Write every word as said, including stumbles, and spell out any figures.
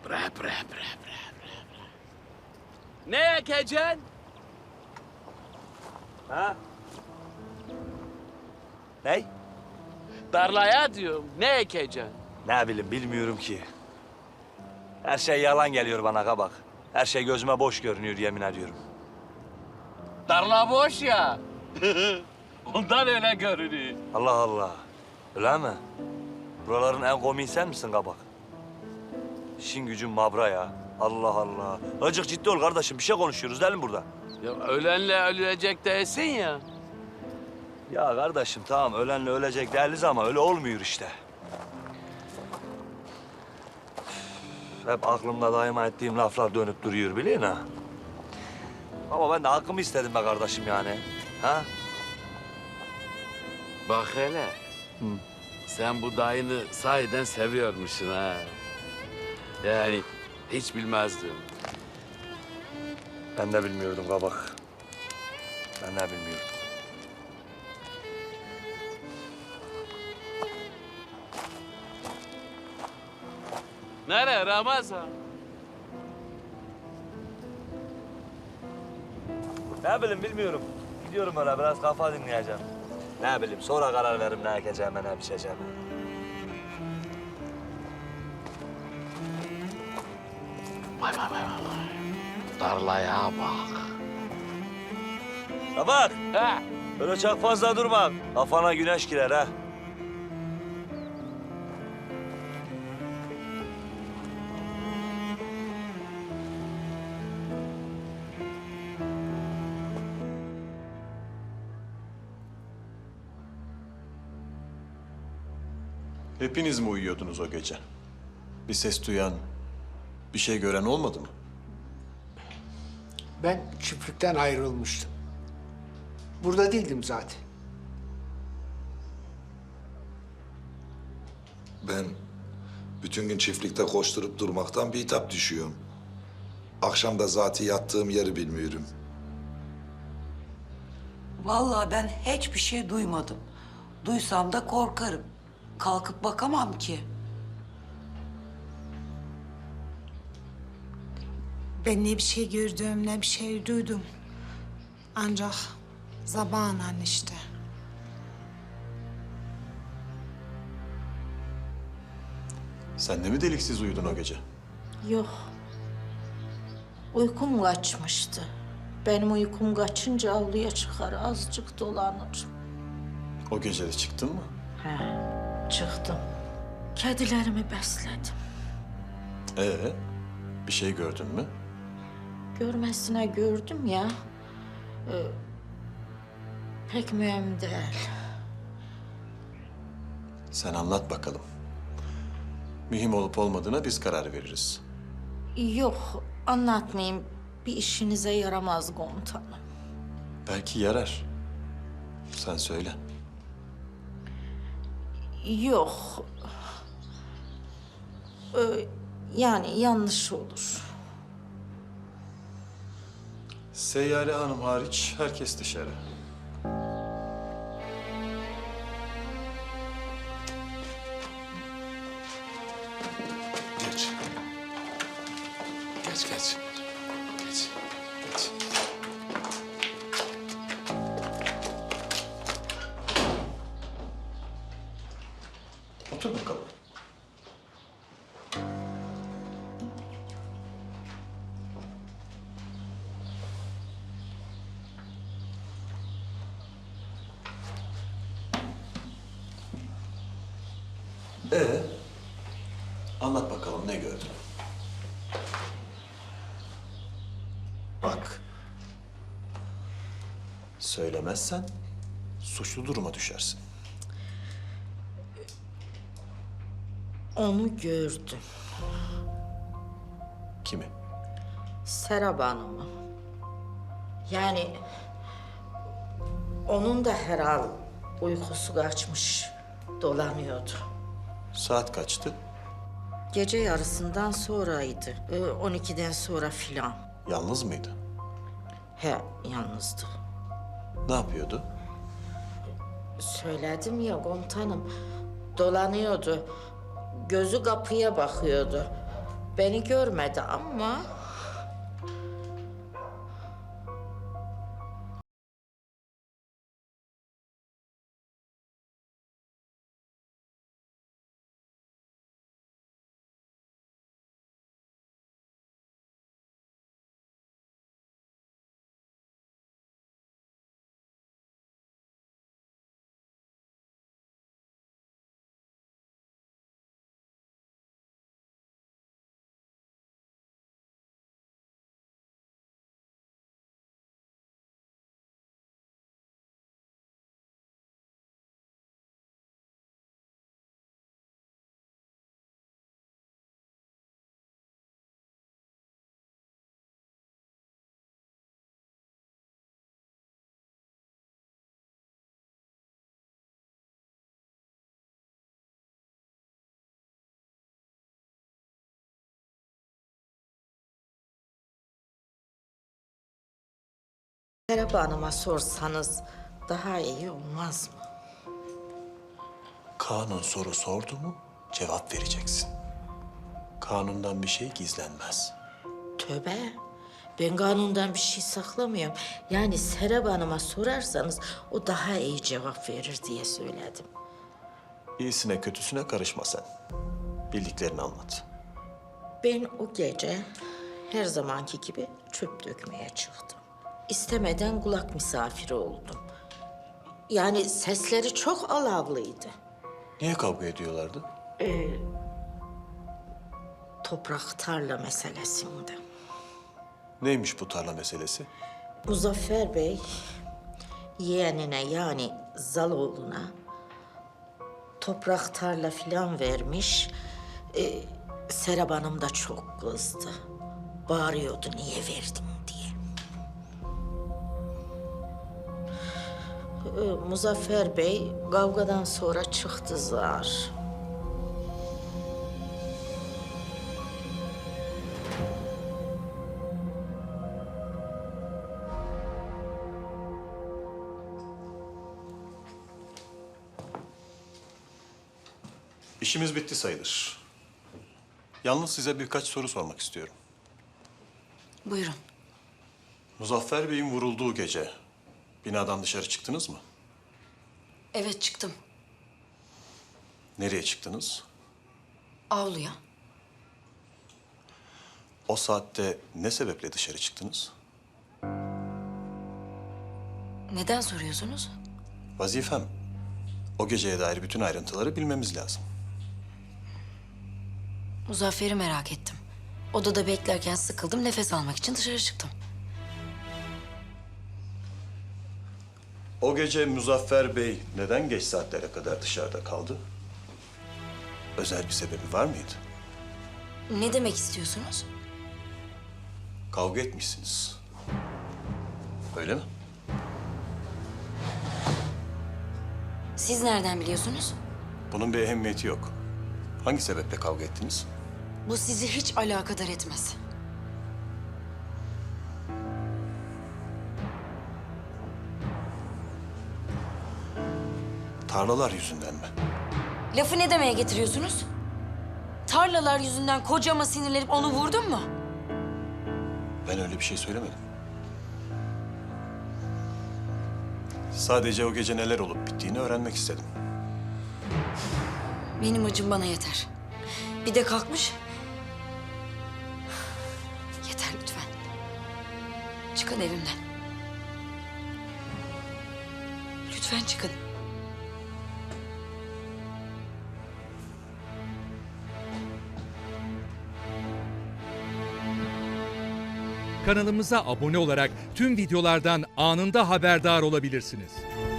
Rap, rap, rap, rap, rap. Ne ekeceksin? Ha? Ney? Tarlaya diyorum. Ne ekeceksin? Ne bileyim, bilmiyorum ki. Her şey yalan geliyor bana kabak. Her şey gözüme boş görünüyor, yemin ediyorum. Tarla boş ya. Ondan öyle görünüyor. Allah Allah. Öyle mi? Buraların en komiği sen misin kabak? İşin gücün mabra ya. Allah Allah. Azıcık ciddi ol kardeşim. Bir şey konuşuyoruz değil mi burada? Ya ölenle ölecek değilsin ya. Ya kardeşim tamam ölenle ölecek değiliz ama öyle olmuyor işte. Hep aklımda daima ettiğim laflar dönüp duruyor biliyorsun ha. Ama ben de hakkımı istedim be kardeşim yani. Ha? Bak hele. Hı. Sen bu dayını sahiden seviyormuşsun ha. Yani hiç bilmezdim. Ben de bilmiyordum kabak. Ben de bilmiyordum. Nereye Ramazan? Ne bileyim bilmiyorum. Gidiyorum öyle biraz kafa dinleyeceğim. Ne bileyim sonra karar veririm ne ekeceğime ne biçeceğime. Vay vay vay vay. Tarlaya bak. Kabak Ha? öyle çok fazla durma. Kafana güneş girer ha. Hepiniz mi uyuyordunuz o gece? Bir ses duyan, bir şey gören olmadı mı? Ben çiftlikten ayrılmıştım. Burada değildim zaten. Ben bütün gün çiftlikte koşturup durmaktan bitap düşüyorum. Akşam da zaten yattığım yeri bilmiyorum. Vallahi ben hiçbir şey duymadım. Duysam da korkarım. Kalkıp bakamam ki. Ben ne bir şey gördüm, ne bir şey duydum. Ancak zamanla işte. Sen de mi deliksiz uyudun o gece? Yok. Uykum kaçmıştı. Benim uykum kaçınca avluya çıkar, azıcık dolanır. O gece de çıktın mı? He, çıktım. Kedilerimi besledim. Ee, bir şey gördün mü? Görmesine gördüm ya. Ee, pek mühim değil. Sen anlat bakalım. Mühim olup olmadığına biz karar veririz. Yok, anlatmayayım. Bir işinize yaramaz komutanım. Belki yarar. Sen söyle. Yok. Ee, yani yanlış olur. Seyyare Hanım hariç herkes dışarı. Geç. Geç, geç. Geç, geç. Otur bakalım. Ee, anlat bakalım ne gördün? Bak, söylemezsen suçlu duruma düşersin. Onu gördüm. Kimi? Serap Hanım'ı. Yani onun da herhal uykusu kaçmış, dolanıyordu. Saat kaçtı? Gece yarısından sonraydı. Ee, on ikiden sonra filan. Yalnız mıydı? He, yalnızdı. Ne yapıyordu? Söyledim ya komutanım, dolanıyordu. Gözü kapıya bakıyordu. beni görmedi ama... Serap Hanım'a sorsanız daha iyi olmaz mı? Kanun soru sordu mu cevap vereceksin. Kanundan bir şey gizlenmez. Tövbe, ben kanundan bir şey saklamıyorum. Yani Serap Hanım'a sorarsanız o daha iyi cevap verir diye söyledim. İyisine kötüsüne karışma sen. Bildiklerini anlat. Ben o gece her zamanki gibi çöp dökmeye çıktım. İstemeden kulak misafiri oldum. Yani sesleri çok alavlıydı. Niye kavga ediyorlardı? Toprak tarla meselesinde. Neymiş bu tarla meselesi? Muzaffer Bey yeğenine yani Zaloğlu'na toprak tarla filan vermiş. Ee, Serap Hanım da çok kızdı. Bağırıyordu niye verdin diye. Ee, Muzaffer Bey kavgadan sonra çıktı zar. İşimiz bitti sayılır. Yalnız size birkaç soru sormak istiyorum. Buyurun. Muzaffer Bey'in vurulduğu gece binadan dışarı çıktınız mı? Evet çıktım. Nereye çıktınız? Avluya. O saatte ne sebeple dışarı çıktınız? Neden soruyorsunuz? Vazifem. O geceye dair bütün ayrıntıları bilmemiz lazım. Muzaffer'i merak ettim. Odada beklerken sıkıldım. Nefes almak için dışarı çıktım. O gece Muzaffer Bey neden geç saatlere kadar dışarıda kaldı? Özel bir sebebi var mıydı? Ne demek istiyorsunuz? Kavga etmişsiniz. Öyle mi? Siz nereden biliyorsunuz? Bunun bir ehemmiyeti yok. Hangi sebeple kavga ettiniz? Bu sizi hiç alakadar etmez. Tarlalar yüzünden mi? Lafı ne demeye getiriyorsunuz? Tarlalar yüzünden kocama sinirlenip onu vurdun mu? Ben öyle bir şey söylemedim. Sadece o gece neler olup bittiğini öğrenmek istedim. Benim acım bana yeter. Bir de kalkmış. Yeter lütfen. Çıkın evimden. Lütfen çıkın. Kanalımıza abone olarak tüm videolardan anında haberdar olabilirsiniz.